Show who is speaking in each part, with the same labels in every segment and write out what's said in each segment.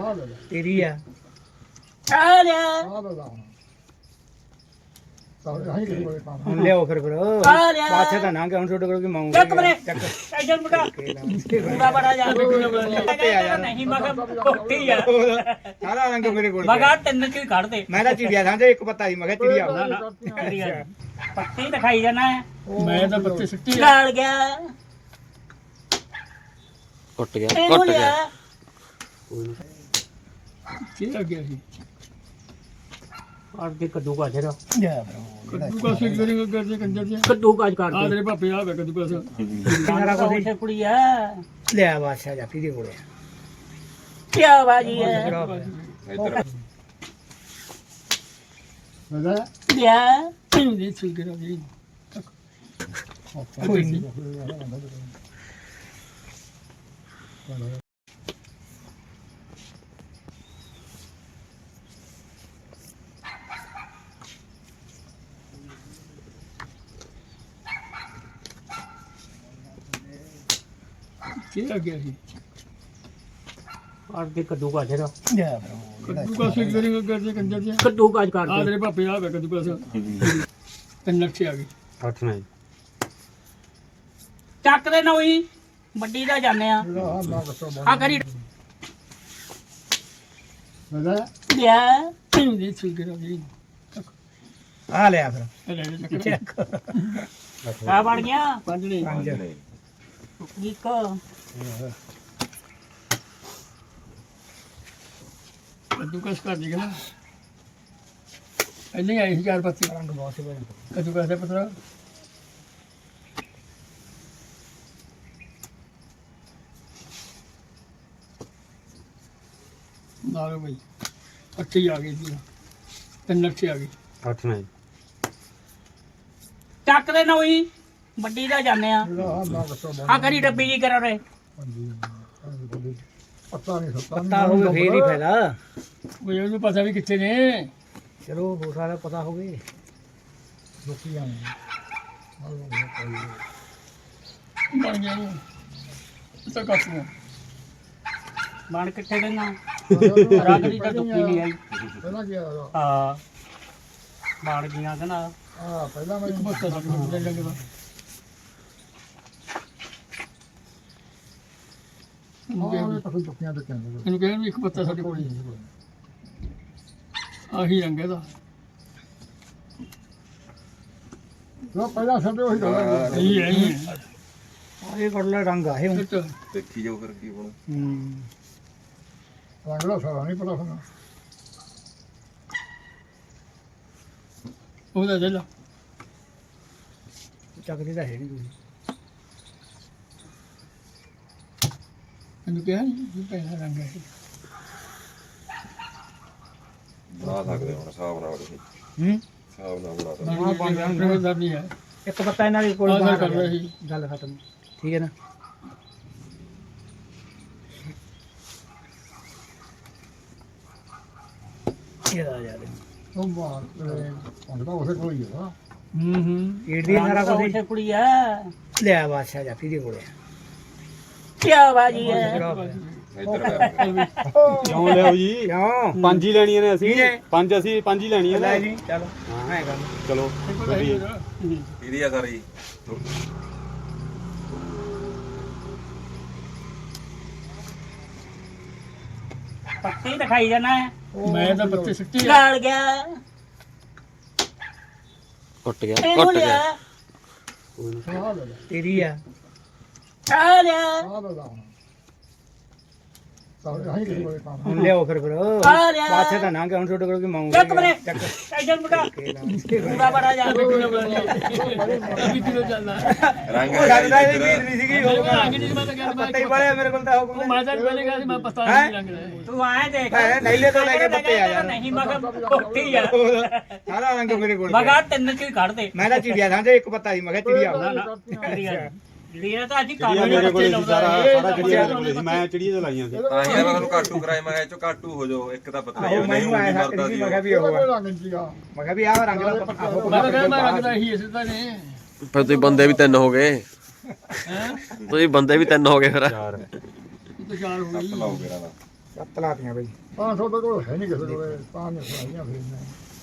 Speaker 1: ਤੇਰੀ ਆ
Speaker 2: ਆ ਲਿਆ
Speaker 1: ਹੁਣ ਲਿਆਓ ਫਿਰ
Speaker 2: ਆ ਲਿਆ
Speaker 1: ਬਾਛਾ ਤਾਂ ਨਾ ਕਿ ਹੁਣ ਛੋਟੇ ਕੋਲ ਕੀ ਮਾਉਂਗੇ
Speaker 2: ਚੱਕ ਬਰੇ ਟੈਨਸ਼ਨ ਬਟਾ ਪੂਰਾ ਬੜਾ ਜਾ ਨਹੀਂ ਮਗਾ ਕੋਟੀ ਆ
Speaker 1: ਸਾਰਾ ਰੰਗ ਮੇਰੇ ਕੋਲ
Speaker 2: ਮਗਾ ਤਿੰਨ ਕੀ ਕੱਢ ਦੇ
Speaker 1: ਮੈਂ ਤਾਂ ਚਿੜੀਆ ਸਾਂਝੇ ਇੱਕ ਪੱਤਾ ਹੀ ਮੈਂ ਕਿਹਾ ਚਿੜੀਆ
Speaker 2: ਨਾ ਨਾ ਚਿੜੀਆ ਪੱਤੀ ਦਿਖਾਈ ਜਾਣਾ ਹੈ
Speaker 3: ਮੈਂ ਤਾਂ ਪੱਤੇ ਸਿੱਟੀ
Speaker 2: ਗਾਲ ਗਿਆ
Speaker 4: ਕੁੱਟ ਗਿਆ
Speaker 2: ਇਹਨੂੰ
Speaker 4: ਕੁੱਟ
Speaker 2: ਲਿਆ
Speaker 4: ਗਿਆ
Speaker 3: ਕੀ ਆ ਗਿਆ ਸੀ
Speaker 2: ਔਰ ਦੇ ਕੱਦੂ ਕਾ ਜਰਾ
Speaker 3: ਕੱਦੂ ਕਾ ਸਿੱਕ ਕਰੇਗਾ ਕਰਦੇ ਕੰਜਰ ਜੀ
Speaker 2: ਕੱਦੂ ਕਾਜ ਕਰ
Speaker 3: ਆ
Speaker 2: ਦੇ
Speaker 3: ਤੇਰੇ ਪਾਪੇ ਆ ਵੇ ਕੱਦੂ ਕਾ
Speaker 2: ਸਾਰਾ ਕੁਝ ਕੁੜੀ ਆ
Speaker 1: ਲਿਆ ਬਾਛਾ ਜਾਪੀ ਦੇ ਕੋਲੇ
Speaker 2: ਕੀ ਬਾਜੀ ਹੈ ਲਿਆ
Speaker 3: ਨਹੀਂ ਸਿੱਕ ਕਰਾ ਜੀ
Speaker 1: ਕੋਈ ਨਹੀਂ
Speaker 3: ਕੀ ਆ ਗਿਆ ਸੀ
Speaker 2: ਔਰ ਦੇ ਕੱਦੂ ਕਾ ਜਰਾ
Speaker 3: ਕੱਦੂ ਕਾ ਸਿੱਕ ਕਰੇਗਾ ਕਰਦੇ ਕੰਜਰ ਜੀ
Speaker 2: ਕੱਦੂ ਕਾਜ ਕਰ
Speaker 3: ਆ
Speaker 2: ਦੇ
Speaker 3: ਤੇਰੇ ਪਾਪੇ ਆ ਵੇ ਕੱਦੂ ਕਾ ਤਿੰਨ ਨਕਸ਼ੇ ਆ ਗਏ
Speaker 4: 8 ਨਹੀਂ
Speaker 2: ਚੱਕ ਦੇ ਨੋਈ ਵੱਡੀ ਦਾ ਜਾਂਦੇ ਆ ਆ ਕਰੀ ਲਿਆ
Speaker 3: ਨਹੀਂ ਸਿੱਕ ਕਰਾ ਜੀ
Speaker 1: ਆ ਲਿਆ ਫਿਰ
Speaker 2: ਆ ਬਣ ਗਿਆ
Speaker 3: ਪੰਜ ਨਹੀਂ
Speaker 1: ਪੰਜ
Speaker 2: ਇੱਕ
Speaker 3: ਕੱਦੂ ਕਾ ਕਰ ਦੇਗਾ ਨਾ ਇੰਨੇ ਆਏ ਸੀ ਚਾਰ ਪੱਤੇ
Speaker 1: ਰੰਗ ਬਹੁਤ ਸੀ
Speaker 3: ਕੱਦੂ ਕਾ ਦੇ ਪਤਰਾ ਨਾਲੋ ਬਈ ਅੱਛੀ ਆ ਗਈ ਜੀ ਤਿੰਨ ਨਕਸ਼ੇ ਆ ਗਏ
Speaker 4: 8 ਨਹੀਂ
Speaker 2: ਚੱਕ ਦੇ ਨੋਈ ਵੱਡੀ ਦਾ ਜਾਂਦੇ ਆ ਆ ਕਰੀ ਡੱਬੀ ਜੀ ਕਰਾ ਰੇ
Speaker 1: ਪਤਾ ਹੋਵੇ ਫੇਰ ਹੀ ਫਾਇਦਾ
Speaker 3: ਕੋਈ ਉਹਨੂੰ ਪਤਾ ਵੀ ਕਿੱਥੇ ਨੇ
Speaker 1: ਚਲੋ ਹੋ ਸਕਦਾ ਪਤਾ ਹੋਵੇ
Speaker 3: ਬਣ ਗਿਆ ਉਹ ਤਾਂ ਕੱਟ ਨੂੰ
Speaker 2: ਬਣ ਕਿੱਥੇ ਗਈਆਂ ਰੰਗ ਦੀ ਤਾਂ ਦੁੱਕੀ ਨਹੀਂ ਆਈ ਹਾਂ ਬਣ ਗਈਆਂ ਕਹਿੰਦਾ
Speaker 3: ਇੱਕ ਪੱਤਾ ਸਾਡੇ ਕੋਲ ਲੈ ਲੈਂਗੇ ਇਹਨੂੰ ਕਹਿੰਦੇ ਵੀ ਇੱਕ ਪੱਤਾ ਸਾਡੇ ਕੋਲ ਆਹੀ ਰੰਗ ਇਹਦਾ ਇਹੀ ਹੈ
Speaker 1: ਇਹ ਕੋਲ ਰੰਗ ਆ ਇਹ
Speaker 3: ਇਹ
Speaker 4: ਦੇਖੀ ਜਾਓ ਫਿਰ ਕੀ ਹੋਣਾ
Speaker 3: ਉਹਦਾ ਦੇ ਲਾ
Speaker 1: ਚੱਕਦੀ ਤਾਂ ਹੈ ਨਹੀਂ ਤੁਸੀਂ
Speaker 3: ਇਹਨੂੰ ਕਿਹਾ ਨਹੀਂ ਪਹਿਲਾ ਰੰਗ ਹੈ
Speaker 4: ਬਣਾ ਸਕਦੇ ਹੁਣ ਹਿਸਾਬ ਨਾਲ ਤੁਸੀਂ
Speaker 1: ਹੂੰ
Speaker 4: ਹਿਸਾਬ ਨਾਲ ਬਣਾ ਸਕਦੇ
Speaker 3: ਪ੍ਰਬੰਧਰ ਨਹੀਂ ਹੈ
Speaker 1: ਇੱਕ ਪੱਤਾ ਇਹਨਾਂ ਦੇ ਕੋਲ
Speaker 3: ਆਹ ਗੱਲ
Speaker 1: ਬਾਹਰ
Speaker 3: ਕਰ
Speaker 1: ਆ
Speaker 3: ਰਿਹਾ
Speaker 1: ਗਿਆ।
Speaker 3: ਸੀ।
Speaker 1: ਗੱਲ ਖਤਮ ਠੀਕ ਹੈ ਨਾ ਇਹ ਆ ਜਾ ਇਹ ਦੀ ਸਾਰਾ ਕੁਝ
Speaker 2: ਉਸੇ ਕੁੜੀ ਆ
Speaker 1: ਲਿਆ ਬਾਛਾ ਜਾਪੀ ਦੇ ਕੋਲੇ
Speaker 2: ਕੀ ਬਾਜੀ ਹੈ
Speaker 4: ਇੱਧਰ ਕਰ
Speaker 5: ਕਿਉਂ ਲਿਆਓ ਜੀ
Speaker 1: ਕਿਉਂ
Speaker 5: ਪੰਜ ਹੀ ਲੈਣੀਆਂ ਨੇ ਅਸੀਂ
Speaker 1: ਠੀਕ ਹੈ।
Speaker 5: ਪੰਜ ਹੀ ਲੈਣੀਆਂ
Speaker 1: ਲੈ
Speaker 5: ਨੇ
Speaker 1: ਜੀ ਚਲੋ ਮੈਂ ਕਰ
Speaker 5: ਚਲੋ
Speaker 4: ਇਹਦੀ ਆ ਸਾਰੀ
Speaker 2: ਪੱਤੀ ਦਿਖਾਈ ਜਾਣਾ ਹੈ
Speaker 3: ਮੈਂ ਤਾਂ ਪੱਤੇ ਸਿੱਟੀ
Speaker 2: ਗਾਲ ਗਿਆ
Speaker 4: ਕੁੱਟ ਗਿਆ
Speaker 2: ਇਹਨੂੰ
Speaker 4: ਕੁੱਟ
Speaker 2: ਲਿਆ
Speaker 4: ਗਿਆ
Speaker 1: ਤੇਰੀ ਆ
Speaker 2: ਆ ਲਿਆ
Speaker 1: ਹੁਣ ਲਿਆਓ ਫਿਰ
Speaker 2: ਆ ਲਿਆ
Speaker 1: ਬਾਛਾ ਤਾਂ ਨਾ ਕਿ ਹੁਣ ਛੋਟੇ ਕੋਲ ਕੀ ਮਾਉਂਗੇ
Speaker 2: ਚੱਕ ਬਰੇ ਟੈਨਸ਼ਨ ਬਟਾ ਪੂਰਾ ਬੜਾ ਜਾ
Speaker 3: ਅਭੀ ਕਿਲੋ ਚੱਲਦਾ
Speaker 4: ਰੰਗ
Speaker 1: ਉਹ ਲੱਗਦਾ ਇਹ ਵੀਰ ਨਹੀਂ ਸੀਗੀ ਉਹ
Speaker 3: ਰੰਗ ਨਹੀਂ ਮੈਂ ਤਾਂ ਕਹਿ
Speaker 1: ਪੱਤੇ ਹੀ ਬੜੇ ਮੇਰੇ ਕੋਲ ਤਾਂ ਹੁਕਮ
Speaker 3: ਮੈਂ ਤਾਂ ਪਹਿਲੇ ਕਿਹਾ ਸੀ ਮੈਂ ਪਛਤਾ ਨਹੀਂ ਰੰਗ ਦਾ
Speaker 2: ਤੂੰ ਆਏ ਦੇਖ
Speaker 1: ਨਹੀਂਲੇ ਤੋਂ ਲੈ ਕੇ ਪੱਤੇ ਆ ਯਾਰ
Speaker 2: ਨਹੀਂ ਮਗਾ ਕੋਟੀ ਆ
Speaker 1: ਸਾਰਾ ਰੰਗ ਮੇਰੇ ਕੋਲ
Speaker 2: ਮਗਾ ਤਿੰਨ ਕੀ ਕੱਢ ਦੇ
Speaker 1: ਮੈਂ ਤਾਂ ਚਿੜੀਆ ਸਾਂਝੇ ਇੱਕ ਪੱਤਾ ਹੀ ਮੈਂ ਕਿਹਾ ਚਿੜੀਆ
Speaker 2: ਨਾ ਨਾ ਚਿੜੀਆ ਚਿੜੀਆ ਤਾਂ ਅੱਜ
Speaker 5: ਚਿੜੀਆਂ
Speaker 2: ਕਾਨੂੰਨੀ
Speaker 5: ਮੇਰੇ ਕੋਲ
Speaker 2: ਬੱਚੇ
Speaker 5: ਸੀ, ਸਾਰਾ
Speaker 2: ਲਾਉਂਦਾ
Speaker 5: ਚਿੜੀਆਂ ਮੇਰੇ ਕੋਲ ਸੀ, ਮੈਂ ਚਿੜੀਆਂ ਤੋਂ ਲਾਈਆਂ ਸੀ
Speaker 4: ਤਾਂ ਹੀ ਮੈਂ ਤੁਹਾਨੂੰ ਕਾਟੂ ਕਰਾਇਆ ਮੈਂ ਕਿਹਾ ਇਹ ਚੋਂ ਕਾਟੂ ਹੋ ਜਾਓ ਇੱਕ ਤਾਂ ਪਤਲਾ
Speaker 1: ਆਹੋ
Speaker 4: ਜਿਹਾ ਨਹੀਂ
Speaker 1: ਮੈਨੂੰ ਆਇਆ
Speaker 4: ਮਰਦਾ
Speaker 1: ਸੀ
Speaker 4: ਸੀ
Speaker 1: ਮੈਂ ਕਿਹਾ ਵੀ ਉਹ ਆ ਮੈਂ ਕਿਹਾ ਵੀ ਆਹ ਰੰਗ ਦਾ ਆਹੋ
Speaker 3: ਮੈਂ ਤਾਂ ਕਹਿੰਦਾ ਮੈਂ ਰੰਗ ਦਾ ਹੀ ਇਸੇ ਤਾਂ ਨੇ
Speaker 4: ਫਿਰ ਤੁਸੀਂ ਬੰਦੇ ਵੀ ਤਿੰਨ ਹੋ ਗਏ ਤੁਸੀਂ ਬੰਦੇ ਵੀ ਤਿੰਨ ਹੋ ਗਏ ਫਿਰ
Speaker 5: ਚਾਰ
Speaker 3: ਇਹ ਤਾਂ ਚਾਰ ਹੋ ਗਈ
Speaker 4: ਲਾਓ ਮੇਰਾ ਦਾ
Speaker 1: 7 ਲਾਤੀਆਂ ਬਈ
Speaker 6: 500 ਤਾਂ ਕੋਲ ਹੈ ਨਹੀਂ ਕਿਸੇ ਕੋਲ ਤਾਂ ਨਹੀਂ ਸੁਣਾਈਆਂ ਫਿਰ ਮੈਂ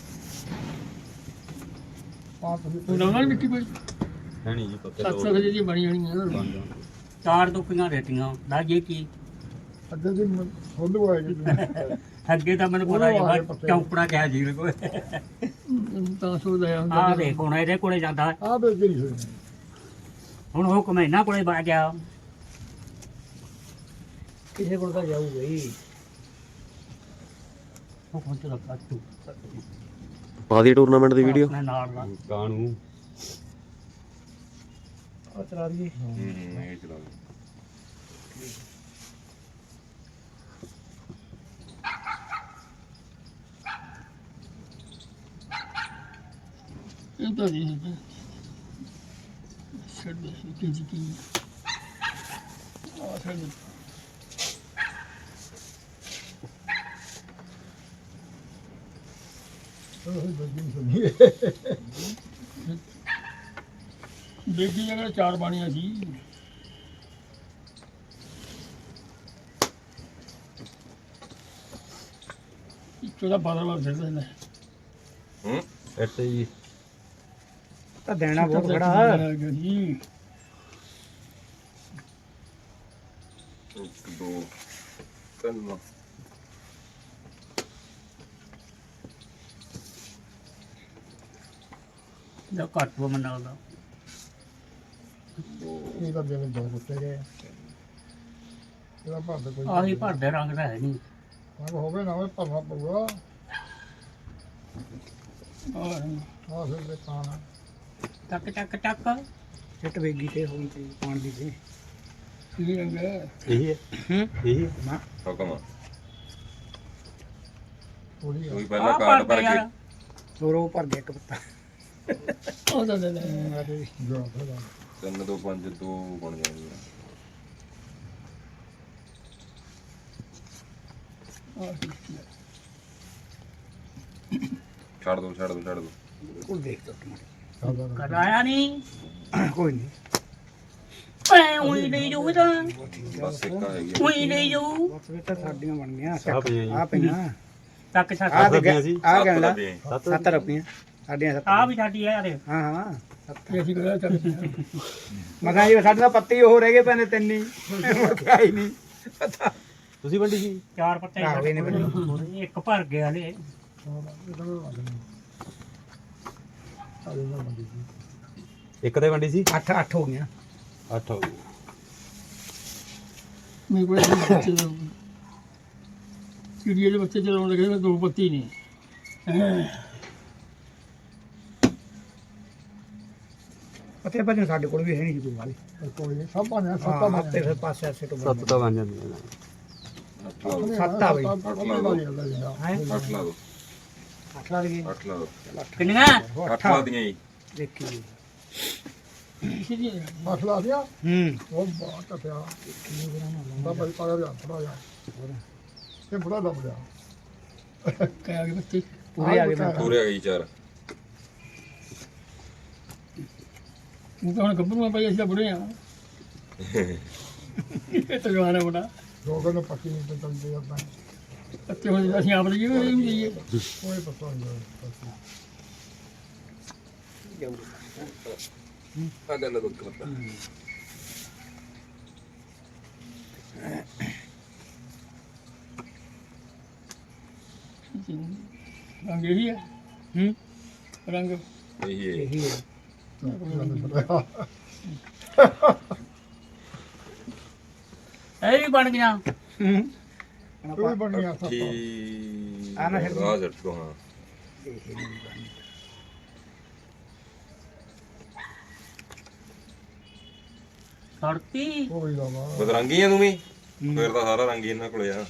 Speaker 3: ਹੁਣ ਉਹਨਾਂ ਨੇ ਮਿੱਟੀ ਪਈ
Speaker 5: ਹੈ ਨਹੀਂ ਜੀ ਪੱਕੇ
Speaker 3: 700 ਵਜੇ ਦੀ ਬਣੀ ਹੋਣੀ ਆ
Speaker 2: ਚਾਰ ਟੋਪੀਆਂ ਦੇਤੀਆਂ ਦਾਜੇ ਕੀ
Speaker 6: ਅੱਗੇ ਦੀ ਖੋਲੂ ਆਏ
Speaker 2: ਅੱਗੇ ਤਾਂ ਮੈਨੂੰ ਪਤਾ ਹੀ ਚੌਂਪੜਾ ਕਿਹਾ ਜੀ ਕੋਈ
Speaker 3: ਤਾਂ ਸੋਦਾ
Speaker 2: ਆ ਦੇਖ ਹੁਣ ਇਹਦੇ ਕੋਲੇ ਜਾਂਦਾ
Speaker 6: ਆ ਬੇ ਜਿਹੜੀ ਹੋਈ
Speaker 2: ਹੁਣ ਹੁਕਮ ਇਹਨਾਂ ਕੋਲੇ ਬਾ ਗਿਆ
Speaker 3: ਕਿਸੇ ਕੋਲ ਤਾਂ ਜਾਊਗਾ ਹੀ
Speaker 2: ਹੁਕਮ ਤੇ ਰੱਖਾ ਤੂੰ
Speaker 7: ਪਾ ਦੀ ਟੂਰਨਾਮੈਂਟ ਦੀ ਵੀਡੀਓ
Speaker 2: ਆਪਣੇ ਨਾਲ ਦਾ
Speaker 5: ਕਾਣੂ
Speaker 3: ਆ ਚਲਾ ਰਹੀ
Speaker 4: ਇਹ ਚਲਾ ਦੇ
Speaker 3: ਇਹ ਤਾਂ ਨਹੀਂ ਛੱਡ ਦੇ ਕੀ ਆ ਛੱਡ ਦੇ ਬੇਗੀ ਜਗ੍ਹਾ 4 ਬਾਣੀਆਂ ਸੀ ਚੋਦਾ 12 ਵਾਰ ਫਿਰਦਾ ਨੇ
Speaker 4: ਹੂੰ
Speaker 5: ਇੱਥੇ ਜੀ
Speaker 1: ਤਾਂ ਦੇਣਾ ਬਹੁਤ ਖੜਾ
Speaker 3: ਜੀ
Speaker 4: 1 2 3
Speaker 2: ਜੋ ਘੱਟ ਉਹ ਮੰਨਾ ਉਹਦਾ
Speaker 6: ਇਹ ਤਾਂ ਜਿਵੇਂ ਦੋ ਕੁੱਤੇ ਗਏ ਇਹਦਾ ਭਰਦਾ ਕੋਈ
Speaker 2: ਆਹੀ ਭਰਦੇ ਰੰਗ ਦਾ ਹੈ ਨਹੀਂ
Speaker 6: ਰੰਗ ਹੋਵੇ ਨਾ ਹੋਵੇ ਭਰਨਾ ਪਊਗਾ ਆ ਫਿਰ ਦੇ ਖਾਣਾ
Speaker 2: ਟੱਕ ਟੱਕ ਟੱਕ
Speaker 1: ਚਿੱਟ ਵੇਗੀ ਤੇ ਹੋਈ ਤੇ ਪਾਣ ਦੀ ਤੇ
Speaker 3: ਕੀ ਰੰਗ ਹੈ
Speaker 5: ਇਹੀ ਹੈ ਇਹੀ ਹੈ।
Speaker 4: ਹੁਕਮ
Speaker 6: ਥੋੜੀ
Speaker 4: ਕੋਈ ਪਹਿਲਾਂ ਕਾਰਡ ਭਰ ਕੇ
Speaker 1: ਹੋਰ ਉਹ ਭਰ ਗਿਆ ਇੱਕ ਪੱਤਾ
Speaker 3: ਉਹ ਤਾਂ ਦੇ
Speaker 6: ਜੋ ਫਿਰ
Speaker 4: 3 2 5 2 ਬਣ ਜਾਣਗੇ ਛੱਡ ਦੋ
Speaker 1: ਕੋਲ ਦੇਖ ਤਾ
Speaker 2: ਕਰਾਇਆ ਨਹੀਂ
Speaker 1: ਕੋਈ ਨਹੀਂ
Speaker 2: ਐ ਉਹੀ ਨਹੀਂ ਜਾਊ ਤਾਂ
Speaker 4: ਬਸ ਇੱਕ ਹੈਗੀ
Speaker 2: ਉਹੀ ਨਹੀਂ ਜਾਊ
Speaker 1: ਬਸ ਇਹ ਤਾਂ ਸਾਡੀਆਂ ਬਣ ਗਈਆਂ
Speaker 5: ਆਹ ਪਈਆਂ ਜੀ।
Speaker 1: ਆ ਪਈਆਂ
Speaker 2: ਟੱਕ ਛੱਕ
Speaker 1: ਆ ਤੇ
Speaker 5: ਰੁਪਈਆਂ ਸੀ।
Speaker 1: ਆ ਗਣ ਲਾ
Speaker 4: ਦੇ
Speaker 1: 7 ਰੁਪਈਆਂ ਸਾਡੀਆਂ 7
Speaker 2: ਆ ਵੀ ਸਾਡੀ ਹੈ ਯਾਰ
Speaker 1: ਹਾਂ ਹਾਂ
Speaker 3: ਕੀ ਅਸੀਂ ਕਰਿਆ ਚੱਲ
Speaker 1: ਮਗਾ ਜੀ ਸਾਡੇ ਤਾਂ ਪੱਤੇ ਹੀ ਉਹ ਰਹਿ ਗਏ ਪੈਨੇ ਤਿੰਨ ਹੀ ਮੁੜਿਆ ਹੀ ਨਹੀਂ ਪਤਾ
Speaker 5: ਤੁਸੀਂ ਵੰਡੀ ਸੀ
Speaker 2: ਚਾਰ ਪੱਤੇ
Speaker 1: ਆਹ ਵੀ ਨਹੀਂ
Speaker 2: ਇੱਕ ਭਰ ਗਿਆ ਹਲੇ
Speaker 5: ਇੱਕ ਤੇ ਵੰਡੀ ਸੀ
Speaker 1: 8 ਹੋ ਗਈਆਂ
Speaker 5: 8 ਹੋ ਗਈ
Speaker 3: ਮੇਰੇ ਕੋਲ ਬੱਚੇ ਦਾ ਚਿੜੀਏ ਦੇ ਬੱਚੇ ਚਲਾਉਣ ਲੱਗੇ ਮੈਂ 2 ਪੱਤੀ ਨਹੀਂ
Speaker 1: ਪੱਤੇ ਭੱਜਣ ਸਾਡੇ ਕੋਲ ਵੀ ਹੈ ਨਹੀਂ ਕੋਈ ਵਾਲੀ
Speaker 6: ਕੋਈ ਨਹੀਂ ਸਭ ਪਾਣੇ ਸੱਤਾਂ
Speaker 1: ਹਾਂ
Speaker 6: ਪਾਣੇ
Speaker 1: ਹੱਤੇ ਫਿਰ ਪਾਸੇ ਆਸੇ ਤੋਂ
Speaker 5: 7 ਤਾਂ ਬਣ ਜਾਂਦੀਆਂ ਨੇ
Speaker 1: 7 ਆ ਬਈ
Speaker 6: ਹੈ
Speaker 4: 8 ਲਾ ਦੋ
Speaker 1: 8 ਲੱਗ ਗਏ
Speaker 4: 8 ਲਾ ਦੋ
Speaker 2: ਕਿੰਨੀਆਂ
Speaker 4: 8 ਲਾ ਦੀਆਂ ਜੀ
Speaker 1: ਦੇਖੀ
Speaker 6: ਮਸਲਾ ਦਿਆ
Speaker 1: ਹੂੰ
Speaker 6: ਉਹ ਬਾਤ ਪਿਆ ਬਾਬਾ ਜੀ ਪਾਇਆ ਜਾ ਥੋੜਾ ਜਾ ਇਹ ਬੜਾ ਦਬ ਗਿਆ
Speaker 3: ਕਹਿ ਆ ਗਏ ਬੱਚੇ
Speaker 1: ਪੂਰੇ ਆ ਗਏ ਮੈਂ
Speaker 4: ਪੂਰੇ ਆ ਗਈ 4
Speaker 3: ਉਹ ਤਾਂ ਹੁਣ ਗੱਭਰੂ ਭਾਈ ਅਸੀਂ ਤਾਂ ਬੁੜੇ ਆ ਇਹ ਤਾਂ ਜਵਾਨ ਹੈ ਬੜਾ
Speaker 6: ਲੋਕਾਂ ਨੂੰ ਪੱਕੀ ਨਹੀਂ ਤੇ ਚੱਲਦੇ ਆਪਾਂ
Speaker 3: ਅੱਤੇ ਹੁਣ ਅਸੀਂ ਆਪ ਲਈਏ ਇਹ ਵੀ ਲਈਏ
Speaker 6: ਕੋਈ ਪਤਾ ਨਹੀਂ
Speaker 4: ਆ ਗੱਲ ਦੋ ਕਰਤਾ
Speaker 3: ਰੰਗ ਇਹੀ ਹੈ
Speaker 1: ਹੂੰ
Speaker 3: ਰੰਗ
Speaker 4: ਇਹੀ ਹੈ
Speaker 1: ਇਹੀ ਹੈ
Speaker 2: ਇਹ ਵੀ ਬਣ ਗਿਆ
Speaker 1: ਹੂੰ
Speaker 6: ਕੋਈ ਬਣ ਗਿਆ ਸੱਤਾ
Speaker 4: ਕੀ
Speaker 1: ਆ ਨਾ ਛੱਡ
Speaker 4: ਆ ਜੱਟ ਕੋ ਹਾਂ
Speaker 2: ਸੜਤੀ
Speaker 6: ਕੋਈ ਦਾ ਵਾ
Speaker 4: ਬਦਰੰਗੀ ਆ ਤੂੰ ਵੀ ਫਿਰ ਤਾਂ ਸਾਰਾ ਰੰਗ ਹੀ ਇਹਨਾਂ ਕੋਲੇ ਆ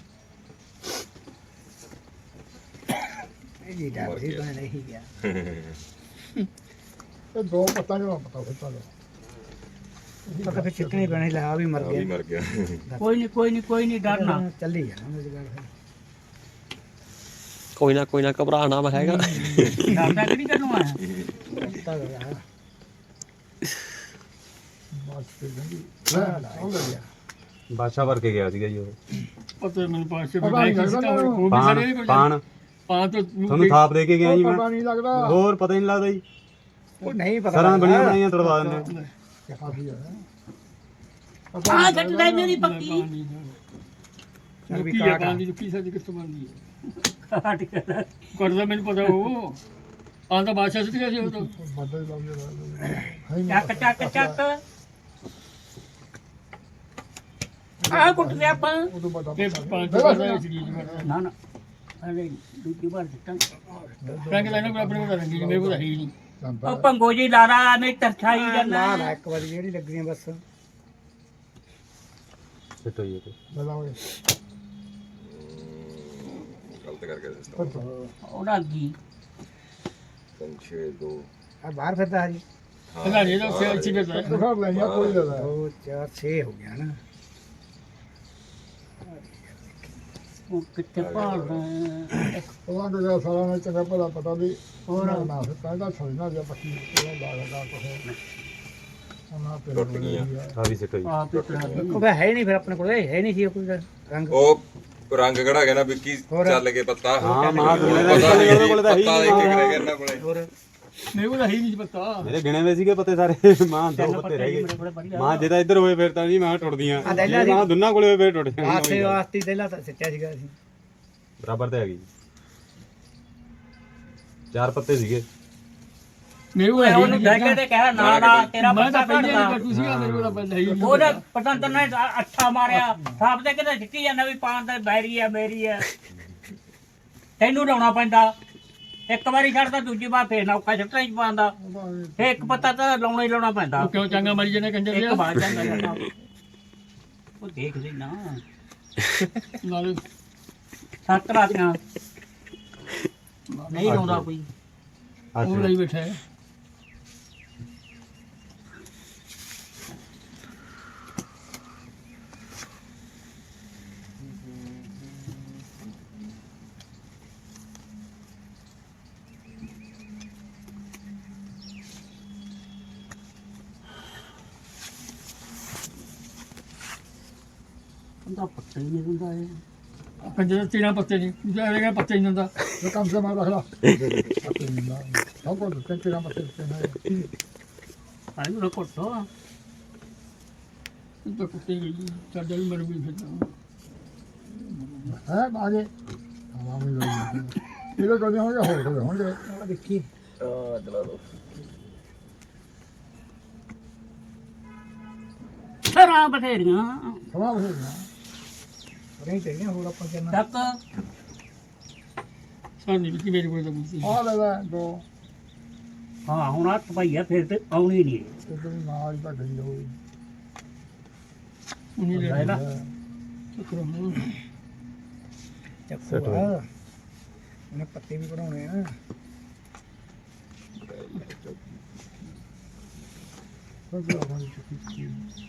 Speaker 1: ਇਹ ਜੀ ਦਾ ਵੀ ਬਣ ਰਹੀ ਗਿਆ
Speaker 6: ਇਹ ਦੋ ਪੱਤਾਂ ਜਿਹੜਾ ਪਤਾ ਫਿਰ ਚੱਲ
Speaker 1: ਪਤਾ ਫਿਰ ਚਿੱਟਣੀ ਪੈਣੀ ਲੈ ਆ ਵੀ ਮਰ
Speaker 4: ਆ ਵੀ
Speaker 1: ਗਿਆ
Speaker 4: ਮਰ ਗਿਆ
Speaker 2: ਕੋਈ ਨਹੀਂ ਡਰਨਾ
Speaker 1: ਚੱਲੀ ਜਾਣਾ ਮੇਰੀ ਗੱਲ ਫਿਰ
Speaker 7: ਕੋਈ ਨਾ ਘਬਰਾਣਾ ਮੈਂ ਹੈਗਾ
Speaker 2: ਡਰਦਾ ਕਿ ਨਹੀਂ ਤੈਨੂੰ ਆ
Speaker 1: ਪਤਾ ਗਿਆ
Speaker 6: ਬਸ ਤੇ ਗੰਦੀ ਲੈ ਲੈ ਹੋ ਗਿਆ
Speaker 5: ਬਾਦਸ਼ਾਹ ਭਰ ਕੇ ਗਿਆ ਸੀਗਾ ਜੀ ਉਹ
Speaker 3: ਪਤਾ ਮੈਨੂੰ ਪਾਸੇ
Speaker 6: ਪਤਾ ਨਹੀਂ ਲੱਗਦਾ
Speaker 3: ਉਹ ਵੀ ਸਾਰੇ
Speaker 5: ਪਾਣ
Speaker 3: ਪਾਣ ਤੋਂ
Speaker 5: ਤੁਹਾਨੂੰ ਥਾਪ ਦੇ ਕੇ ਗਿਆ ਜੀ ਮੈਂ
Speaker 6: ਪਤਾ ਨਹੀਂ ਲੱਗਦਾ
Speaker 5: ਹੋਰ ਪਤਾ ਹੀ ਨਹੀਂ ਲੱਗਦਾ ਜੀ
Speaker 1: ਉਹ ਨਹੀਂ ਪਤਾ
Speaker 5: ਸਰਾਂ ਬਣੀਆਂ ਬਣਾਈਆਂ ਤੜਵਾ ਦਿੰਦੇ
Speaker 6: ਕਾਫੀ ਹੈ
Speaker 2: ਆ ਘਟਦਾ ਮੇਰੀ ਪੱਕੀ
Speaker 1: ਚੱਲ ਵੀ
Speaker 3: ਕੀ
Speaker 1: ਕਾਟ
Speaker 3: ਆ ਦੀ ਕੀ ਸਾਡੀ ਕਿੱਥੋਂ ਬਣਦੀ ਹੈ
Speaker 2: ਘਟ ਗਿਆ
Speaker 3: ਕਰਦਾ ਮੈਨੂੰ ਪਤਾ ਉਹ ਆਂਦਾ ਬਾਦਸ਼ਾਹ ਸਿੱਟ ਗਿਆ ਸੀ ਉਹ ਤੋਂ
Speaker 6: ਵੱਡਾ ਹੀ ਲੱਗ
Speaker 2: ਚੱਕ ਚੱਕ ਚੱਕ ਆ ਕੁੱਟ ਗਿਆ ਆਪਾਂ
Speaker 6: ਉਹ ਤੋਂ ਵੱਡਾ
Speaker 3: ਇਹ ਪੰਜ ਤੋਂ ਬਾਅਦ ਚੀਜ਼
Speaker 2: ਨਾ ਨਾ ਅਰੇ ਦੂਜੀ ਵਾਰ ਦਿੱਤਾ
Speaker 3: ਫਰੈਂਕ ਦਾ ਇਹਨਾਂ ਆਪਣੇ ਕੋਲ ਰੰਗੀ ਮੇਰੇ ਕੋਲ ਹੈ ਹੀ ਨਹੀਂ
Speaker 2: ਉਹ ਪੰਗੋ ਜੀ ਲਾਰਾ ਨੇ ਤਰਛਾਈ
Speaker 1: ਲਾ
Speaker 2: ਜਾਂਦਾ
Speaker 1: ਲਾ ਇੱਕ ਵਾਰੀ ਜਿਹੜੀ ਲੱਗਣੀ ਆ ਬਸ
Speaker 5: ਸਿੱਟ ਹੋਈ ਤੇ
Speaker 6: ਬਲਾ ਹੋਏ
Speaker 4: ਗਲਤ ਕਰਕੇ ਦਿੱਤਾ
Speaker 2: ਉਹਦਾ ਕੀ
Speaker 4: 3 6 2
Speaker 1: ਆ ਬਾਹਰ ਫਿਰਦਾ ਹਰੀ
Speaker 3: ਪਤਾ ਨਹੀਂ ਇਹਦਾ ਉੱਥੇ ਅੱਛੀ ਬੇਟਾ
Speaker 6: ਦਿਖਾ ਲੈਣੀਆਂ ਕੋਈ ਲੈਦਾ
Speaker 1: 2 4 6 ਹੋ ਗਿਆ ਨਾ
Speaker 2: ਉਹ ਕਿੱਥੇ ਭਾਲਦਾ
Speaker 6: ਉਹਨਾਂ ਦੇ ਸਾਰਾ ਨੇ ਚੰਗਾ ਭਲਾ ਪਤਾ ਵੀ
Speaker 2: ਹੋਰ
Speaker 6: ਨਾ ਫਿਰ ਕਹਿੰਦਾ ਛੱਡਣਾ ਜੇ ਪੱਕੀ ਉਹ ਲਾਗਾ ਕੋਹ ਉਹਨਾਂ ਤੇ
Speaker 4: ਟੁੱਟ ਗਈਆਂ।
Speaker 5: ਆ ਵੀ ਸਿੱਟ ਹੋਈ
Speaker 2: ਆਪ ਹੀ ਕਰਾ ਦੇ
Speaker 1: ਉਹ ਹੈ ਨਹੀਂ ਫਿਰ ਆਪਣੇ ਕੋਲ ਹੈ ਨਹੀਂ ਸੀ ਕੋਈ ਰੰਗ
Speaker 4: ਉਹ ਰੰਗ ਕਿਹੜਾ ਗਿਆ ਨਾ ਵਿੱਕੀ
Speaker 1: ਹੋਰ।
Speaker 4: ਚੱਲ ਕੇ ਪੱਤਾ
Speaker 5: ਹਾਂ ਮਾਂ ਕੋਲੇ ਦਾ
Speaker 4: ਪਤਾ ਨਹੀਂ
Speaker 5: ਉਹਦੇ ਕੋਲੇ ਤਾਂ ਹੈ
Speaker 4: ਪੱਤਾ
Speaker 5: ਹੀ
Speaker 4: ਇੱਕ
Speaker 5: ਨਹੀਂ
Speaker 4: ਇੱਕ ਰਹਿ ਗਿਆ ਇਹਨਾਂ ਕੋਲੇ
Speaker 1: ਹੋਰ
Speaker 3: ਮੇਰੇ ਕੋਲ ਹੈ ਹੀ ਨਹੀਂ ਪਤਾ
Speaker 5: ਮੇਰੇ ਗਿਣੇ ਹੋਏ ਸੀਗੇ ਪੱਤੇ ਸਾਰੇ ਮਾਂ ਦੋ ਪੱਤੇ ਰਹਿ ਗਏ ਮਾਂ ਜੇ ਤਾਂ ਇੱਧਰ ਹੋਏ ਫਿਰ ਤਾਂ ਨਹੀਂ ਮਾਂ ਟੁੱਟਦੀਆਂ
Speaker 1: ਆ ਦਹਿਲਾ ਦੀ-
Speaker 5: ਮਾਂ ਦੋਨਾਂ ਕੋਲੇ ਹੋਏ ਫਿਰ ਟੁੱਟ
Speaker 1: ਆਸੇ
Speaker 5: ਜਾਣਗੀਆਂ
Speaker 1: ਵਾਸਤੇ ਦੇਲਾ ਤਾਂ ਸੱਚਾ ਸੀਗਾ ਅਸੀਂ
Speaker 5: ਬਰਾਬਰ ਤੇ ਹੈਗੀ 4 ਪੱਤੇ ਸੀਗੇ
Speaker 3: ਮੇਰੇ ਕੋਲ ਹੈ ਹੀ
Speaker 2: ਉਹਨੂੰ
Speaker 3: ਨਹੀਂ
Speaker 2: ਕਹਿ ਕੇ ਤੇ ਕਹਿ ਨਾ ਨਾ ਤੇਰਾ
Speaker 3: ਮੈਂ
Speaker 2: ਪੱਤਾ
Speaker 3: ਤਾਂ ਪਹਿਲੇ
Speaker 2: ਕੱਢਦਾ
Speaker 3: ਕੱਟੂ ਸੀਗਾ ਮੇਰੇ ਕੋਲ ਪਹਿਲੇ ਹੈ ਹੀ ਨਹੀਂ
Speaker 2: ਉਹਨੇ ਪਤੰਦਰ ਨੇ ਅੱਛਾ ਮਾਰਿਆ ਸਾਹਬ ਤੇ ਕਿਤੇ ਸਿੱਟੀ ਜਾਂਦਾ ਵੀ ਪਾਣ ਦਾ ਬੈਰੀ ਆ ਮੇਰੀ ਆ ਤੈਨੂੰ ਲਾਉਣਾ ਪੈਂਦਾ ਇੱਕ ਵਾਰੀ ਛੱਡਦਾ ਦੂਜੀ ਵਾਰ ਫੇਰ ਨੌਕਾ ਛੱਟਾਂ ਹੀ ਪਾਉਂਦਾ ਫੇਰ ਇੱਕ ਪੱਤਾ ਤਾਂ ਲਾਉਣਾ ਹੀ ਲਾਉਣਾ ਪੈਂਦਾ
Speaker 3: ਉਹ ਕਿਉਂ ਚੰਗਾ ਮਰੀ ਜਨੇ ਕੰਜਰ
Speaker 2: ਇੱਕ
Speaker 3: ਲਿਆ
Speaker 2: ਵਾਰ ਜਾਂਦਾ ਜਾਂਦਾ ਉਹ ਦੇਖ ਲਈ ਨਾ
Speaker 3: ਨਾਲੇ
Speaker 2: ਸੱਤ ਰਾਤੀਆਂ ਨਹੀਂ ਲਾਉਂਦਾ ਕੋਈ
Speaker 3: ਉਹ ਲਈ ਬੈਠਾ ਹੈ
Speaker 2: ਉਹਦਾ ਪੱਤਾ ਹੀ ਨਹੀਂ ਹੁੰਦਾ ਇਹ
Speaker 3: ਕੰਜਰ ਦੇ 13 ਪੱਤੇ ਨਹੀਂ ਦੂਜਾ ਇਹਦਾ ਪੱਤੇ ਨਹੀਂ ਦਿੰਦਾ
Speaker 6: ਇਹ ਕੰਮ ਸੇ ਮਾਰ ਰੱਖ ਲਾ ਪੱਤੇ ਨਹੀਂ ਲਾ ਸਭ ਕੁਝ ਤੇਰਾ ਪੱਤੇ ਤੇ ਹੈ
Speaker 2: ਆਈ ਉਹ ਕੋਟੋ
Speaker 3: ਇਹ ਤਾਂ ਕੁੱਤੇ ਗਈ ਚਾਦਰ ਵੀ ਮਰ ਗਈ ਫਿਰ
Speaker 6: ਹੈ ਬਾਗੇ ਹਵਾ ਵੀ ਲੋਈ ਇਹਦੇ ਕੋਲ ਹੋਣਗੇ ਹੋਰ ਹੋਣਗੇ
Speaker 1: ਉਹ ਦੇਖੀ
Speaker 2: ਸਰਾਂ ਬਥੇਰੀਆਂ
Speaker 6: ਸਵਾ ਹੋ ਗਿਆ
Speaker 1: ਨਹੀਂ ਚਾਹੀਦੀਆਂ ਹੋਰ ਆਪਾਂ ਕਿੰਨਾ
Speaker 2: ਤੱਕ
Speaker 3: ਸਾਨੀ ਵੀ ਮੇਰੇ ਕੋਲ ਤਾਂ ਬੁੱਤੀ
Speaker 6: ਆ ਲੈ ਲੈ ਦੋ
Speaker 2: ਹਾਂ ਹੁਣ ਹੱਥ ਪਾਈਆ ਫਿਰ ਤੇ ਆਉਣੀ ਨਹੀਂ
Speaker 6: ਤੇ ਨਾਲ ਹੀ ਤਾਂ ਗਈ ਹੋਈ
Speaker 3: ਉਹਨੇ ਲੈ
Speaker 2: ਲੈ ਲਾ
Speaker 1: ਚੱਕੂ ਆ ਉਹਨੇ ਪੱਤੇ ਵੀ ਕਢਾਉਣੇ ਆ
Speaker 6: ਸਭ ਆਵਾਜ਼ ਚੁੱਕੀ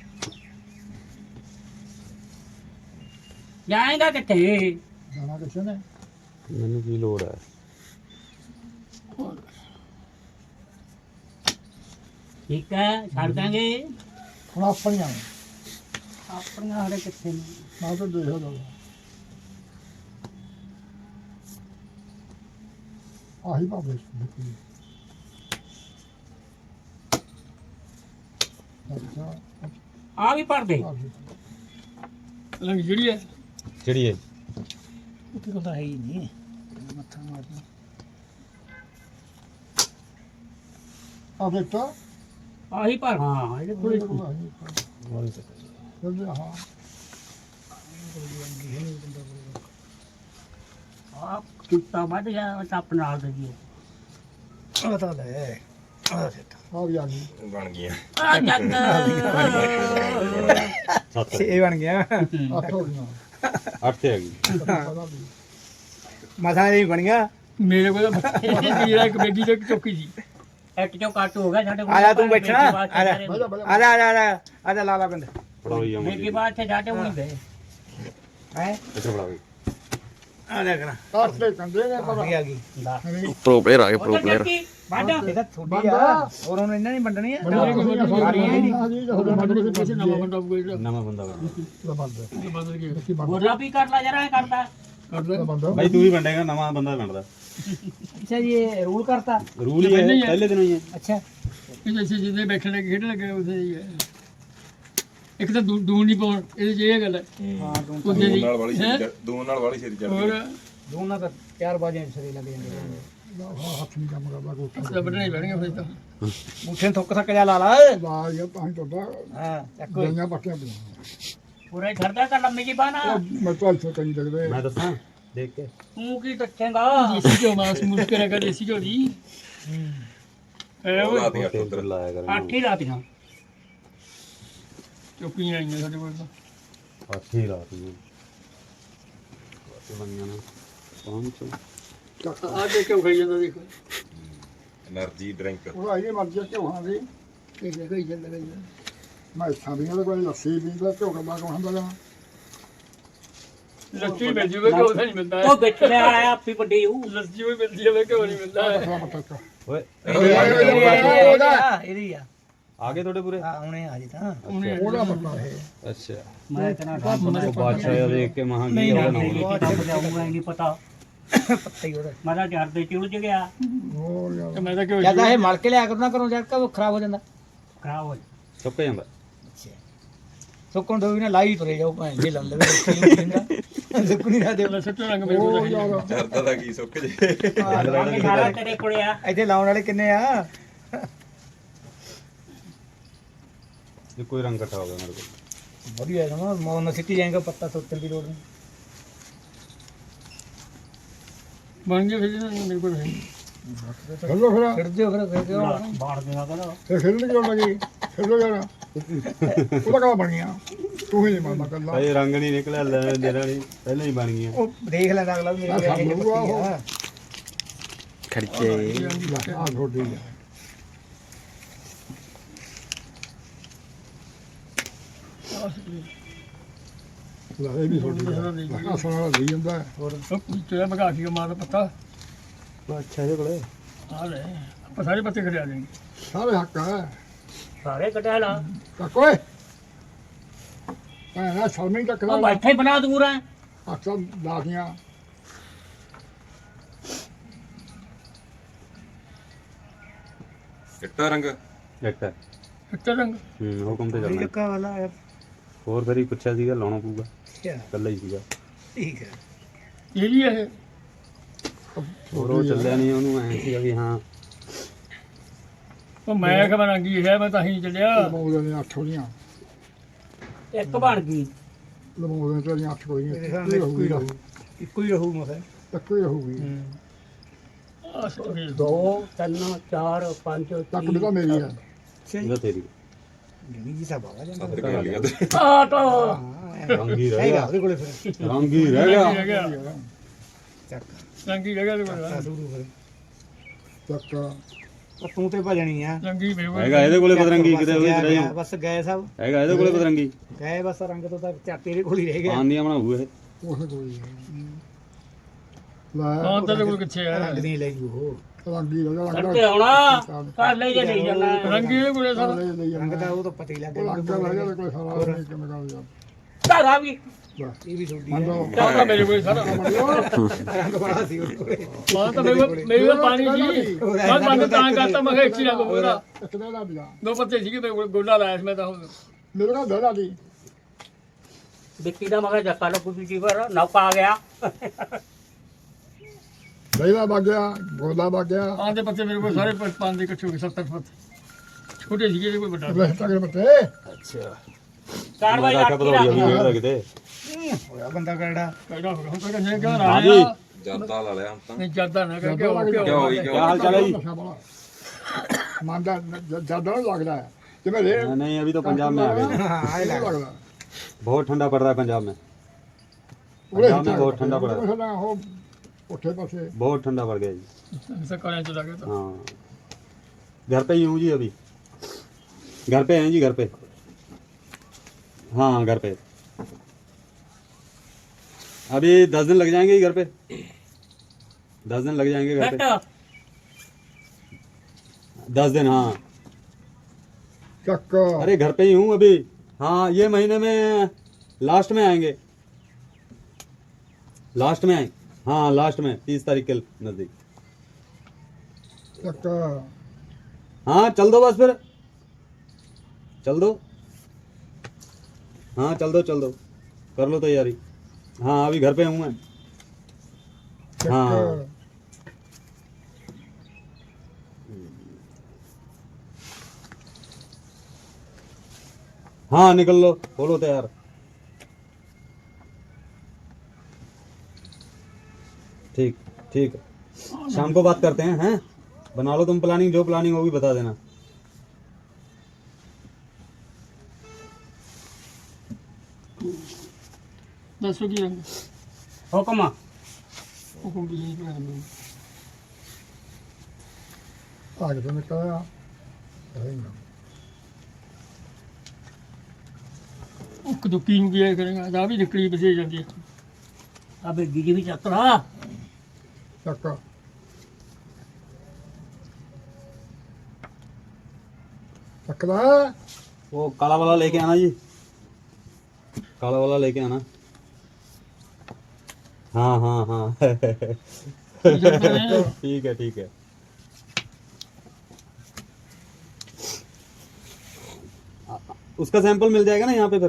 Speaker 2: ਜਾਏਗਾ ਕਿੱਥੇ
Speaker 6: ਜਾਣਾ ਕਿਸੇ ਨੇ
Speaker 5: ਮੈਨੂੰ ਕੀ ਲੋੜ ਹੈ
Speaker 2: ਠੀਕ ਹੈ ਛੱਡ ਦਾਂਗੇ
Speaker 6: ਹੁਣ ਆਪਣੀਆਂ
Speaker 2: ਆਪਣੀਆਂ ਹਰੇ ਕਿੱਥੇ ਨੇ
Speaker 6: ਨਾ ਤਾਂ ਦੇਖੋ ਲੋ ਆਹੀ ਬਾਬੇ ਦੇਖੀ ਅੱਛਾ
Speaker 2: ਆ ਵੀ ਭਰ ਦੇ
Speaker 3: ਲੰਗ ਜਿਹੜੀ ਹੈ
Speaker 5: ਜਿਹੜੀ ਹੈ
Speaker 1: ਉੱਥੇ ਕੋਲ ਤਾਂ ਹੈ ਹੀ ਨਹੀਂ ਮੱਥਾ ਮਾਰਨਾ
Speaker 6: ਆ ਬੇਟਾ
Speaker 2: ਆਹੀ ਭਰ ਹਾਂ ਇਹਦੇ ਕੋਲ
Speaker 6: ਹਾਂ
Speaker 2: ਆ ਕੁੱਤਾ ਵੱਢ ਗਿਆ ਤਾਂ ਆਪਣੇ ਨਾਲ ਦੇ ਜੀ
Speaker 1: ਉਹ ਤਾਂ ਲੈ ਆ ਸਿੱਟ
Speaker 6: ਆ ਵੀ ਆ ਗਈ
Speaker 4: ਬਣ ਗਈਆਂ
Speaker 2: ਆ ਜੱਟ
Speaker 5: 7
Speaker 1: ਇਹ ਬਣ ਗਿਆ
Speaker 6: 8 ਹੋ ਗਈਆਂ
Speaker 5: 8 ਤੇ ਹੈਗੀ
Speaker 6: ਪਤਾ ਵੀ
Speaker 1: ਮਸਾ ਇਹ ਬਣ ਗਿਆ
Speaker 3: ਮੇਰੇ ਕੋਲ ਮੇਰਾ ਇੱਕ ਬੇਗੀ ਤੇ ਇੱਕ ਚੌਕੀ ਸੀ
Speaker 2: ਇੱਕ ਚੋਂ ਕੱਟ ਹੋ ਗਿਆ ਸਾਡੇ ਕੋਲ
Speaker 1: ਆ ਜਾ ਤੂੰ ਬੈਠਣਾ ਆ ਜਾ
Speaker 6: ਬਜਾ ਬਜਾ
Speaker 1: ਆ ਜਾ ਆ ਜਾ ਆ ਜਾ ਲਾ ਲਾ ਬੰਦ
Speaker 5: ਫੜਾਓ ਜੀ
Speaker 2: ਮੇਰੀ ਬਾਤ ਤੇ ਜਾਟੇ ਹੋਣੀ ਗਏ
Speaker 1: ਹੈ
Speaker 5: ਇੱਥੇ ਫੜਾਓ ਜੀ
Speaker 1: ਆ ਦੇਖ ਨਾ
Speaker 6: ਕਾਟ ਤੇ ਕੰਦੇ ਨੇ ਪਰ
Speaker 1: ਆ ਗਈ
Speaker 7: ਪ੍ਰੋ ਪਲੇਅਰ ਆ ਗਏ ਪ੍ਰੋ
Speaker 2: ਉਹ
Speaker 7: ਪਲੇਅਰ
Speaker 2: ਚੱਕੀ ਵੱਢ
Speaker 1: ਇਹ ਤਾਂ ਥੋੜੀ ਆ ਹੋਰ ਉਹਨੂੰ ਇਹਨਾਂ ਨਹੀਂ ਵੰਡਣੀ ਆ
Speaker 3: ਨਵਾਂ ਬੰਦਾ ਕੋਈ
Speaker 5: ਨਵਾਂ ਬੰਦਾ ਬਣਾ
Speaker 3: ਬਦਲ ਗਿਆ
Speaker 2: ਗੋਰਾ ਵੀ ਕਰ ਲਾ ਜਰਾ ਕਰਦਾ
Speaker 3: ਕਰਦਾ
Speaker 5: ਬਾਈ ਤੂੰ ਹੀ ਵੰਡੇਗਾ ਨਵਾਂ ਬੰਦਾ ਬਣਦਾ
Speaker 1: ਅੱਛਾ ਜੀ ਇਹ ਰੂਲ ਕਰਤਾ
Speaker 5: ਰੂਲ ਹੀ ਹੈ ਪਹਿਲੇ ਦਿਨੋਂ ਹੀ ਹੈ
Speaker 1: ਅੱਛਾ
Speaker 3: ਇਹ ਜੈਸੇ ਜਿੱਦੇ ਬੈਠਣੇ ਖੇਡਣ ਲੱਗੇ ਉਸੇ ਹੀ ਹੈ ਇੱਕ ਤਾਂ ਦੂਣ ਨਹੀਂ ਪਾਉਣ ਇਹਦੇ 'ਚ ਇਹ ਗੱਲ ਹੈ
Speaker 1: ਹਾਂ ਤੂੰ
Speaker 3: ਉਹਦੇ ਦੀ
Speaker 4: ਨਾਲ ਵਾਲੀ ਛੇਤੀ ਦੂਨ ਨਾਲ ਵਾਲੀ ਛੇਤੀ
Speaker 3: ਹੋਰ
Speaker 4: ਚੜਦੀ
Speaker 1: ਦੋਨਾਂ ਤਾਂ 4 ਵਜੇ ਸਰੇ ਲੱਗ ਜਾਂਦੇ
Speaker 6: ਹੱਥ ਨਹੀਂ ਕੰਮ ਕਰਦਾ ਕੋਠਾ
Speaker 3: ਸਭ ਬਣਾਈ ਪੈਣਗੇ ਫਿਰ ਤਾਂ
Speaker 1: ਮੁੱਠੇ ਥੁੱਕ ਥੱਕ ਜਾ ਲਾ ਲਾ
Speaker 6: ਵਾਹ ਇਹ ਤਾਂ ਤੁਹਾਡਾ
Speaker 1: ਹਾਂ ਚੱਕੋ
Speaker 6: ਗਈਆਂ ਪੱਕੀਆਂ ਪਈਆਂ
Speaker 2: ਪੂਰੇ ਛੱਡਦਾ ਤਾਂ ਲੰਮੀ ਜੀ ਬਾਨਾ
Speaker 6: ਮੈਂ ਤਾਂ ਇੱਥੇ ਕਈ ਲੱਗਦੇ
Speaker 5: ਮੈਂ ਦੱਸਾਂ ਦੇਖ ਕੇ
Speaker 2: ਤੂੰ ਕੀ ਦੱਸੇਗਾ
Speaker 3: ਦੇਸੀ ਘਿਓ ਮਾਸ ਮੁਰਕ ਕਰਿਆ ਕਰ ਦੇਸੀ ਘਿਓ ਦੀ ਐ
Speaker 4: ਉਹ
Speaker 3: ਉਹ
Speaker 4: ਲਾ ਦੀਆਂ
Speaker 5: ਤੇਲ ਲਾਇਆ ਕਰ
Speaker 2: ਆਠੀ ਲਾਤੀਆਂ
Speaker 3: ਚੁੱਪੀਆਂ ਆਈਆਂ ਸਾਡੇ ਕੋਲ ਤਾਂ
Speaker 5: ਅੱਛੀ ਰਾਤ ਨੂੰ ਬੰਗਾਂ ਨਾ ਪਹੁੰਚ
Speaker 3: ਆ ਦੇ ਕਿਉਂ ਖਾਈ ਜਾਂਦਾ ਦੇਖੋ
Speaker 4: એનર્ਜੀ ਡਰਿੰਕ
Speaker 6: ਉਹ ਆਈ ਮਰਜ਼ੀ ਕਿਉਂ ਹਾਂ ਦੀ
Speaker 3: ਇਹ ਖਾਈ ਜਾਂਦਾ
Speaker 6: ਮੈਂ ਇੱਥਾਂ ਵੀ ਉਹਦੇ ਕੋਲ ਲੱਸੀ ਵੀ ਦਾ ਝੋਕ ਬਾ ਕੋ ਹੰਦਾ ਜਾ
Speaker 3: ਲੱਸੀ ਮਿਲ ਜੂਵੇ ਕਿਉਂ ਨਹੀਂ ਮਿਲਦਾ
Speaker 2: ਉਹ ਵਿੱਚ ਲੈ ਆਇਆ ਆਪੀ ਵੱਡੀ ਉਹ
Speaker 3: ਲੱਸੀ ਵੀ ਮਿਲਦੀ ਹੈ ਕਿਉਂ ਨਹੀਂ ਮਿਲਦਾ
Speaker 5: ਓਏ
Speaker 1: ਇਹਦੀ ਆ
Speaker 5: ਆਗੇ ਤੁਹਾਡੇ ਪੂਰੇ
Speaker 1: ਆ ਹੁਣੇ ਆ ਜੀ ਤਾਂ
Speaker 6: ਉਹਦਾ ਪਤਾ ਹੈ
Speaker 5: ਅੱਛਾ
Speaker 2: ਮੈਂ ਤੇਰਾ
Speaker 5: ਉਹ ਬਾਦਸ਼ਾਹ ਦੇਖ ਕੇ ਮਹਾਂ ਕੀ ਉਹਦਾ ਨਾਮ
Speaker 2: ਨਹੀਂ ਪਤਾ
Speaker 1: ਪੱਤੇ ਹੀ ਉਹਦਾ
Speaker 2: ਮੈਂ ਤਾਂ ਝੜ ਤੇ ਚੁਲਝ ਗਿਆ
Speaker 6: ਹੋਰ ਯਾਰ
Speaker 3: ਤੇ ਮੈਂ ਤਾਂ ਕਿਉਂ
Speaker 1: ਜਿਆਦਾ ਇਹ ਮਲ ਕੇ ਲਿਆ ਕਰਨਾ ਕਰੋ ਜਦ ਉਹ ਖਰਾਬ ਹੋ ਜਾਂਦਾ
Speaker 2: ਖਰਾਬ ਹੋ
Speaker 5: ਸੁੱਕ ਜਾਂਦਾ
Speaker 1: ਸੁੱਕਣ ਤੋਂ ਵੀ ਨਾ ਲਾਈ ਤੁਰੇ ਜਾਓ ਭਾਂ ਜੇ ਲੰਨ ਲਵੇ ਸੁੱਕਣੀ ਨਾ ਦੇ
Speaker 3: ਸੱਚੋ ਰੰਗ ਮੇਰੇ ਕੋਲ ਹੈ
Speaker 4: ਚਰਦਾ ਦਾ ਕੀ ਸੁੱਕ ਜੇ
Speaker 2: ਗਿਆ ਸਾਰਾ ਤੇਰੇ ਕੋਲੇ ਆ
Speaker 1: ਇੱਥੇ ਲਾਉਣ ਵਾਲੇ ਕਿੰਨੇ ਆ
Speaker 5: ਜੇ ਕੋਈ ਰੰਗ ਇਕੱਠਾ ਹੋ ਗਿਆ ਮੇਰੇ ਕੋਲ
Speaker 1: ਵਧੀਆ ਹੈ ਨਾ ਮੌਨ ਸਿੱਟੀ ਜਾਏਗਾ ਪੱਤਾ ਸੁੱਤਣ ਦੀ ਲੋੜ ਨਹੀਂ
Speaker 3: ਬਣ ਗਿਆ ਫਿਰ ਮੇਰੇ ਕੋਲ ਹੈ
Speaker 6: ਖੇਲੋ ਫਿਰ
Speaker 1: ਖਿੜ ਦਿਓ ਫਿਰ
Speaker 2: ਬਾੜ ਦੇਣਾ ਕਰ
Speaker 6: ਫਿਰ ਖੇਲਣ ਕਿਉਂ ਲੱਗੀ ਖੇਲੋ ਯਾਰ ਉਹਦਾ ਕਾ ਬਣ ਗਿਆ ਤੂੰ ਹੀ ਨਹੀਂ ਮੰਨਦਾ ਕੱਲਾ
Speaker 5: ਭਾਈ ਰੰਗ ਨਹੀਂ ਨਿਕਲਿਆ ਲੈਣ ਦੇਣਾ ਨਹੀਂ ਪਹਿਲਾਂ ਹੀ ਬਣ ਗਈਆਂ
Speaker 1: ਉਹ ਦੇਖ ਲੈਂਦਾ ਅਗਲਾ ਵੀ ਮੇਰੇ
Speaker 6: ਸਾਨੂੰ
Speaker 1: ਇਹ ਪੱਤੀ
Speaker 6: ਉਹ-
Speaker 1: ਆ
Speaker 7: ਖਰਚੇ
Speaker 6: ਆ ਥੋੜੀ ਆ ਲੈ ਇਹ ਵੀ ਥੋੜੀ ਆ ਸੋਨਾ ਲਈ ਜਾਂਦਾ
Speaker 3: ਤੇਰਾ ਮਗਾ ਕੇ ਮਾਰ ਪੱਤਾ
Speaker 5: ਅੱਛਾ ਇਹਦੇ ਕੋਲੇ
Speaker 3: ਆ ਲੈ ਆਪਾਂ ਸਾਰੇ ਪੱਤੇ ਖੜਿਆ ਦੇਂਗੇ
Speaker 6: ਸਾਰੇ ਹੱਕ ਹੈ
Speaker 2: ਸਾਰੇ ਕਟਿਆ ਲਾ
Speaker 6: ਤਾਂ ਕੋਈ ਨਾ ਸ਼ਰਮੀ ਤੱਕ
Speaker 2: ਉਹ
Speaker 6: ਲਾ
Speaker 2: ਬੈਠੇ ਬਣਾ ਦੂਰ ਆ
Speaker 6: ਅਕਸਰ ਲਾਦੀਆਂ
Speaker 4: ਚਿੱਟਾ ਰੰਗ
Speaker 5: ਇੱਕ ਹੈ
Speaker 3: ਚਿੱਟਾ ਰੰਗ
Speaker 5: ਹੁਕਮ ਤੇ ਚੱਲਣਾ
Speaker 1: ਲੱਕਾ ਵਾਲਾ ਆ
Speaker 5: ਹੋਰ ਫਿਰ ਹੀ ਪੁੱਛਿਆ ਸੀਗਾ ਲਾਉਣਾ ਪਊਗਾ
Speaker 1: ਅੱਛਾ
Speaker 5: ਇਕੱਲਾ ਹੀ ਸੀਗਾ
Speaker 1: ਠੀਕ ਹੈ
Speaker 3: ਇਹ ਵੀ ਹੈ
Speaker 5: ਹੋਰ ਉਹ ਚੱਲਿਆ ਨਹੀਂ ਉਹਨੂੰ ਐ ਸੀਗਾ ਵੀ ਹਾਂ
Speaker 3: ਉਹ ਮੈਂ ਖਬਰ ਰੰਗੀ ਹੈ ਮੈਂ ਤਾਂ ਹੀ ਚੱਲਿਆ
Speaker 6: ਲਮੋਦੇ ਨੇ 8 ਹੋਈਆਂ
Speaker 2: ਇੱਕ ਬਣ ਗਈ
Speaker 6: ਲਮੋਦੇ ਤੇ 8 ਹੋਈਆਂ
Speaker 1: ਮੇਰੇ ਸਾਹਮਣੇ ਇੱਕੋ ਹੀ ਰਹੂ ਇੱਕੋ ਹੀ ਰਹੂ ਮਸਾ
Speaker 6: ਤੱਕ ਹੀ ਰਹੂਗੀ
Speaker 3: ਆ ਸੋਰੀ
Speaker 2: 2 3 4 5
Speaker 6: ਤੱਕ ਵੀ ਤਾਂ ਮੇਰੀ ਹੈ
Speaker 5: ਇਹਦਾ ਤੇਰੀ
Speaker 1: ਜਮੀ ਜੀ ਸਭ ਆ ਜਾਂਦਾ
Speaker 4: ਸੱਤ ਗਾਲੀਆਂ ਤੇ
Speaker 2: ਆ ਤਾਂ
Speaker 5: ਰੰਗੀ ਰਹਿ
Speaker 1: ਹੈਗਾ
Speaker 5: ਗਿਆ
Speaker 1: ਉਹਦੇ ਕੋਲੇ ਫਿਰ
Speaker 5: ਰੰਗੀ ਰਹਿ ਗਿਆ
Speaker 3: ਰਹਿ ਗਿਆ
Speaker 1: ਚੱਕ
Speaker 3: ਰੰਗੀ ਰਹਿ ਗਿਆ ਤੇ ਕੋਲ
Speaker 1: ਸ਼ੁਰੂ ਫਿਰ
Speaker 6: ਤੱਕ
Speaker 1: ਉਹ ਤੂੰ ਤੇ ਭਜਣੀ ਆ
Speaker 3: ਰੰਗੀ ਮੇਰੇ ਕੋਲ
Speaker 5: ਹੈਗਾ ਇਹਦੇ ਕੋਲੇ ਪਤਰੰਗੀ ਕਿਤੇ ਉਹਦੇ ਚ ਰਹਿ
Speaker 1: ਗਿਆ,
Speaker 5: ਜਾਊ
Speaker 1: ਬਸ ਗਏ ਸਭ
Speaker 5: ਹੈਗਾ ਇਹਦੇ ਕੋਲੇ ਪਤਰੰਗੀ
Speaker 1: ਗਏ ਬਸ ਰੰਗ ਤੋਂ ਤਾਂ ਚਾ ਤੇਰੇ ਕੋਲ ਹੀ ਰਹਿ ਗਿਆ
Speaker 5: ਆਂਦੀਆਂ ਬਣਾਊ ਇਹ
Speaker 6: ਉਹ ਕੋਈ ਲੈ
Speaker 3: ਹਾਂ ਤੇਰੇ ਕੋਲ ਕਿੱਥੇ ਹੈ
Speaker 1: ਰੰਗ ਦੀ ਲੈ ਜੂ ਉਹ
Speaker 6: ਰੰਗੀ ਲਗਾ
Speaker 2: ਕੱਟੇ ਹੋਣਾ ਕਰ ਲੈ ਜੇ ਨਹੀਂ ਜਾਣਾ
Speaker 3: ਰੰਗੀ ਇਹਦੇ ਕੋਲ ਸਾਰਾ
Speaker 1: ਰੰਗ ਦਾ ਉਹ ਤਾਂ ਪਤਾ ਹੀ ਲੱਗ ਗਿਆ
Speaker 6: ਰੰਗ ਦਾ ਲੈ ਕੋਈ ਸਾਰਾ ਨਹੀਂ ਕਿਵੇਂ ਕਰ ਜਾ
Speaker 2: ਘਰ ਆ ਵੀ
Speaker 1: ਇਹ ਵੀ ਛੋਟੀ
Speaker 6: ਮੰਦੋ
Speaker 3: ਚਾਹਤਾ ਮੇਰੇ ਕੋਲ ਸਾਰਾ
Speaker 1: ਰੰਗ ਬੜਾ ਸੀ ਉਹਦੇ ਕੋਲੇ
Speaker 3: ਮਾਂ ਤਾਂ ਮੇਰੇ ਕੋਲ ਪਾਣੀ ਸੀ ਮੈਂ ਬੰਦ ਤਾਂ ਕਰਤਾ ਮੈਂ ਕਿਹਾ ਇੱਕ ਹੀ ਰੰਗ ਹੋਣਾ
Speaker 6: ਇੱਕ ਦਾ ਬਿਆ
Speaker 3: ਦੋ ਪੱਤੇ ਸੀਗੇ ਮੇਰੇ ਕੋਲ ਗੋਲਾ ਲਾਇਆ ਸੀ ਮੈਂ ਤਾਂ ਹੁਣ
Speaker 6: ਮੇਰੇ ਕੋਲ ਦੜਾ ਦੀ
Speaker 2: ਵਿੱਕੀ ਦਾ ਮਗਾ ਜੱਕਾ ਲੱਗੂ ਦੂਜੀ ਵਾਰ ਨੌਕਾ ਆ ਗਿਆ
Speaker 6: ਲੈਲਾ ਬਾਗਿਆ ਗੋਲਾ ਬਾਗਿਆ
Speaker 3: ਆਹ ਦੇ ਪੱਤੇ ਮੇਰੇ ਕੋਲ ਸਾਰੇ ਪੰਜ ਦੇ ਇਕੱਠੇ ਹੋ ਗਏ 70 ਪੱਤੇ ਛੋਟੇ ਸੀਗੇ ਇਹਦੇ ਕੋਈ ਵੱਡਾ
Speaker 6: ਲੈ ਤੱਕ ਬੱਤੇ
Speaker 5: ਅੱਛਾ
Speaker 2: 4 ਵਜੇ
Speaker 5: ਮੈਂ
Speaker 2: ਅੱਠ
Speaker 5: ਕਿਹਾ
Speaker 2: ਹੀ
Speaker 5: ਪਤਰੋਲੀ
Speaker 2: ਰੱਖ
Speaker 5: ਹੋਇਆ ਕਿਤੇ
Speaker 1: ਹੋਇਆ ਬੰਦਾ ਕਰੜਾ
Speaker 3: ਕਹਿੰਦਾ ਹੁਣ ਤਾਂ ਕਹਿੰਦੇ ਕਿਉਂ
Speaker 5: ਹਾਂ ਜੀ
Speaker 3: ਰਾਇਆ
Speaker 4: ਜਰਦਾ ਲਾ ਲਿਆ ਹੁਣ ਤਾਂ
Speaker 3: ਨਹੀਂ ਜਾਂਦਾ ਨਾ ਕਿ
Speaker 4: ਕਿਉਂ ਹੋਈ
Speaker 5: ਕੀ
Speaker 4: ਕਿਉਂ
Speaker 5: ਹਾਲ ਚਾਲ ਹੈ ਜੀ
Speaker 6: ਮੰਨਦਾ ਜਿਆਦਾ ਲੱਗਦਾ ਹੈ ਤੇ ਮੈਂ ਲੈ
Speaker 5: नहीं अभी तो पंजाब में आ गए
Speaker 1: ਹਾਂ ਇਹ ਲੱਗ
Speaker 6: ਲੱਗਦਾ
Speaker 5: बहुत ठंडा पड़ रहा है पंजाब में
Speaker 6: ਉਹਦੇ
Speaker 5: पंजाब में बहुत ठंडा पड़ रहा है
Speaker 6: ਹੈ ਉਹ ਉੱਠੇ ਪਾਸੇ
Speaker 5: बहुत ठंडा पड़ गया जी
Speaker 3: ਸਕਾਲਾਂ ਚਲਾ ਗਿਆ ਤਾਂ
Speaker 5: हाँ घर पे ही हूँ जी अभी घर पे हैं जी घर पे हाँ घर पे अभी 10 दिन लग जाएंगे घर पे, 10 दिन लग जाएंगे घर पे,
Speaker 2: ਫਿੱਟ
Speaker 5: 10 दिन। हाँ
Speaker 6: ਚੱਕ
Speaker 5: अरे घर पे ही हूँ अभी। हाँ ये महीने में लास्ट में आएंगे, लास्ट में आए। हाँ लास्ट में 30 तारीख के नजदीक।
Speaker 6: ਚੱਕ
Speaker 5: हाँ चल दो बस फिर, चल दो। हाँ चल दो, कर लो तैयारी। हाँ अभी घर पे हूँ मैं। हाँ।
Speaker 6: ਚੱਕ
Speaker 5: हाँ निकल लो, हो लो तैयार। ठीक ठीक है, शाम को बात करते हैं। बना लो तुम प्लानिंग, जो प्लानिंग होगी बता देना।
Speaker 3: ਦੱਸੋ ਕੀ ਰੰਗ
Speaker 2: ਹੁਕਮ
Speaker 3: ਹੁਕਮ ਦੀ ਜੀ ਭੈਣ ਨੂੰ
Speaker 6: ਆ ਕੇ ਨਿਕਲਿਆ ਰਹੇਗਾ
Speaker 3: ਇੱਕ ਦੁੱਕੀ ਨੂੰ ਕੀ ਕਰੇਗਾ ਆ ਵੀ ਨਿਕਲੀ ਬਸੇ ਜਾਂਦੀ ਹੈ
Speaker 2: ਆ ਬੇਗੀ ਜੀ ਵੀ ਚੱਕਰਾ
Speaker 6: ਚੱਕ ਚੱਕਦਾ
Speaker 5: वो काला वाला लेके आना जी, काला वाला लेके आना। हाँ ठीक है। उसका सैंपल मिल जाएगा ना यहाँ पे फिर?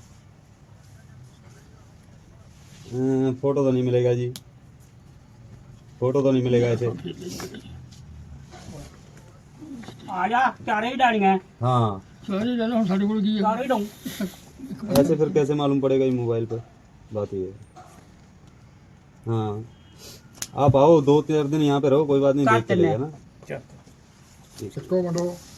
Speaker 5: फोटो तो नहीं मिलेगा जी, फोटो तो नहीं मिलेगा ऐसे।
Speaker 2: ਆ ਜਾ ਚਾਰੇ ਹੀ ਡਾਣੀਆਂ
Speaker 5: हाँ
Speaker 3: ਸਾਰੇ ਲੈ ਲਓ ਹੁਣ ਸਾਡੇ ਕੋਲ ਕੀ ਹੈ
Speaker 2: ਚਾਰੇ ਹੀ ਡਾਉਂ
Speaker 5: ऐसे फिर कैसे मालूम पड़ेगा ये मोबाइल पे? बात ये है। हाँ आप आओ 2-4 दिन यहाँ पे रहो, कोई बात नहीं, देख के लेगा ना।
Speaker 6: ਚੱਕੋ ਮੰਡੋ